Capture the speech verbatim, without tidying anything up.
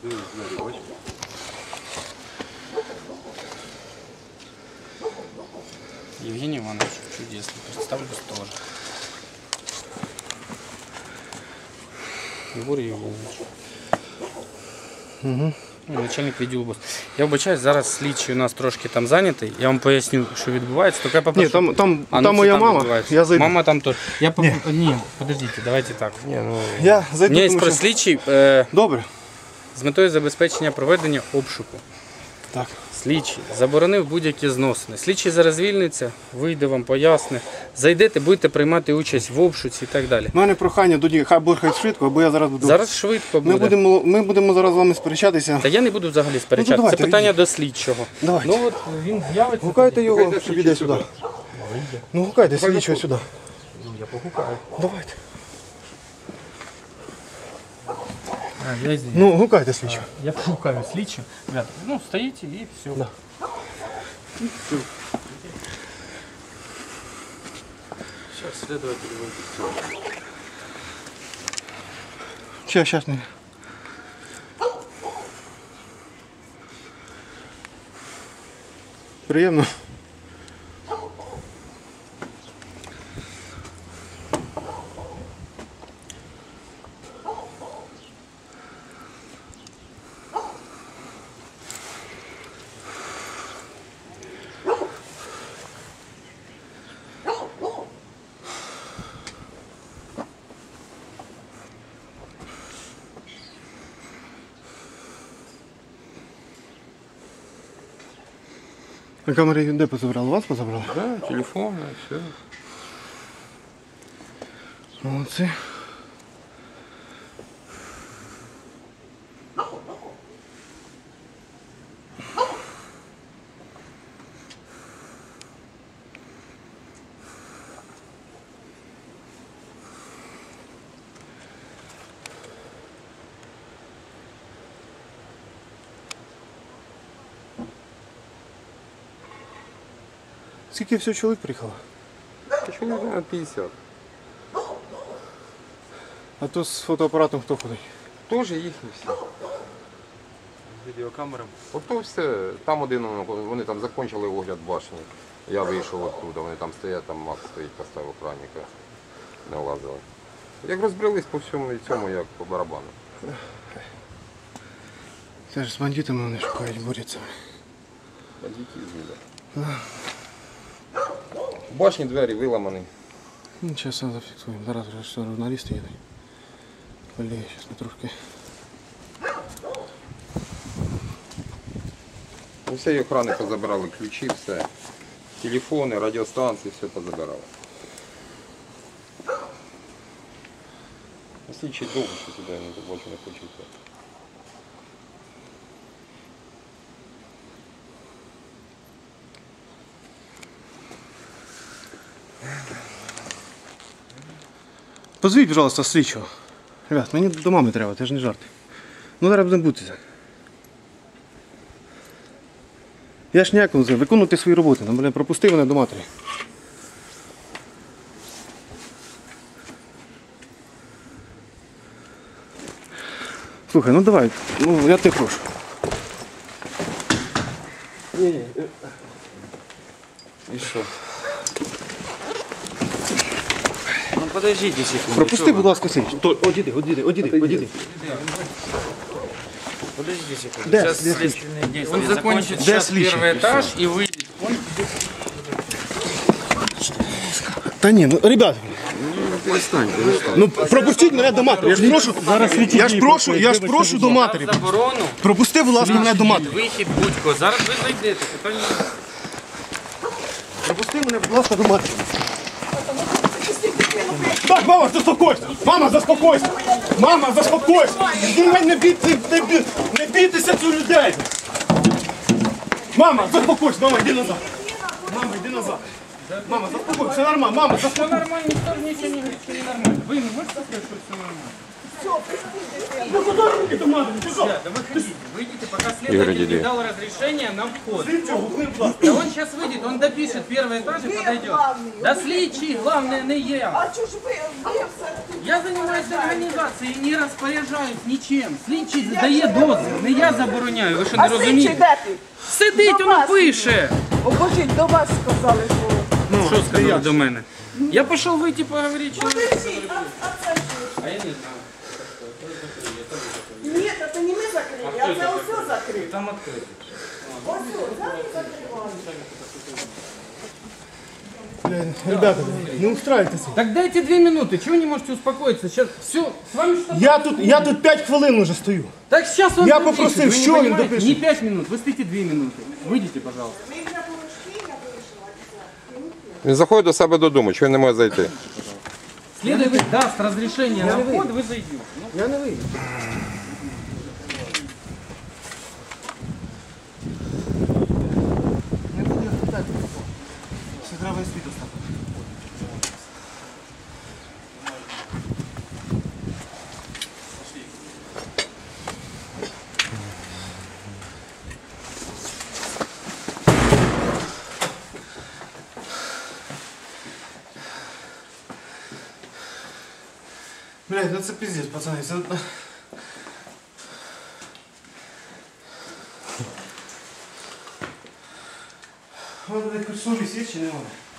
Евгений Иванович, чудесно. Представлюсь тоже. Егор Евгеньевич. Угу. Начальник відділу БОС. Я вибачаюсь, зараз слідчий у нас трошки там зайнятий. Я вам поясню, що відбувається. Тільки я попрошу... Ні, там, там, а, ну, там моя там мама, я зайду. Мама там теж. Я поп... Ні. Ні, подождите, давайте так. Ні, ну... Я зайду, Ні, тому що... що... слідчий е... Добре. з метою забезпечення проведення обшуку. Так. Слідчий заборонив будь-які зносини. Слідчий зараз звільниться, вийде вам, поясне. Зайдете, будете приймати участь в обшуці і так далі. У мене прохання до них, хай буде хай швидко, або я зараз буду... Зараз швидко буде. Ми будемо, ми будемо зараз з вами сперечатися. Та я не буду взагалі сперечатися. Ну, давайте, це питання йдіть. до слідчого. Давайте. Ну от він з'явиться. Гукайте його, щоб іде сюди. Ну гукайте слідчого сюди. Ну, я погукаю. Давайте. А, я Ну, гукайте слідчого. Я погукаю слідчого. Ребята, ну стоїте і все. Да. Сейчас следователь выйдет. Сейчас, сейчас не. Приємно. На камері де позабрали? Вас позабрали? Да, телефон, все. Молодці. Скільки всього чоловік приїхало? Чоловік на п'ятдесят. А то з фотоапаратом хто ходить? Тоже їхні всі. З відеокамерами. Ото все. Там один, вони там закінчили огляд башні. Я вийшов оттуда, вони там стоять, там Макс стоїть, поставив охранника. Не лазили. Як розбрелись по всьому і цьому, як по барабану. Це ж з бандитами вони шукають, борються. Бандитизм, да. В башні двері виламані. Ну, зараз зафіксуємо. Зараз вже що журналісти їдуть. Колеги, зараз ми трошки. У всієї охрани позабирали ключі, все. Телефони, радіостанції, все позабирали. Слідчий довго, що сюди не більше не хочуть. Позвіть, пожалуйста, слідчого. Ребят, мені до мами треба, це ж не жарти. Ну зараз будемо бутися. Я ж ніякому за виконувати свої роботи. Ну, пропусти мене до матері. Слухай, ну давай, ну я тебе прошу. Ні-ні. І що? Ну подождите секунду. Пропусти, будь ласка, слідчого. Одіди, одіди, одіди, одіди. Подождите секунду. Да, Сейчас да, следственные действия Он закончит. Да, Сейчас сличный. первый этаж и выйдет. Он... Та ні, ну, ребят, Перестань, перестань. ну пропустіть мене до матері. Я ж прошу, я ж прошу, я ж прошу до матері. Заборону. Пропусти, будь ласка, мене до матері. Вихід будь-ко. Зараз ви зайдете. Питання. Пропусти мене, будь ласка, до матері. Так, мама, заспокойся! Мама, заспокойся! Мама, заспокойся! Ти мене не бійте, не, бій, не бійтеся цю людей! Мама, заспокойся! Мама, йди назад! Мама, йди назад! Мама, заспокойся, все нормально! Мама, Все заспокойся! нормально, никто ничего не говорит, что ненормально. Вы не можете сказать, что все нормально? Ну куда руки то надо? Ты что? Да выходите, выйдите, пока Игорь, следователь иди. не дал разрешение на вход. Слідчого, гукни, будь ласка. Да он сейчас выйдет, он допишет первый этаж и подойдет. Да слідчий, главное, не я. А чого ж ви, ви все? Я занимаюсь организацией и не распоряджаюсь нічим. Слідчий дає дозвіл, не я забороняю, ви що не А слідчий розумієте? де ти? Сидить, До воно вас. пише. О, божіть, до вас сказали, що... Що сказали до мене? Я пішов вийти поговорити. Подожди, а, а це що? А я не знаю. Ні, це не ми закрили, а це усе закрили. Там відкрито. Ось, зараз закриваємо. Блин, ребята, не устраивайтесь. Так дайте две минуты, чего не можете успокоиться? Сейчас все, с вами что-то... Я тут, я тут п'ять хвилин уже стою. Так сейчас он Я допишет, попросив, вы не що він понимаете? допише? Не пять минут, вы стоите две минуты. Выйдите, пожалуйста. Ми вже порошки, я вийшла. Він заходить до себе додому, чого він не може зайти? Следователь даст разрешение на вход, вы зайдете. Ну, Я не вийду. Все треба і світу стати. Блядь, ну це пиздец, пацани. Це... Вона якось совість є чи немає?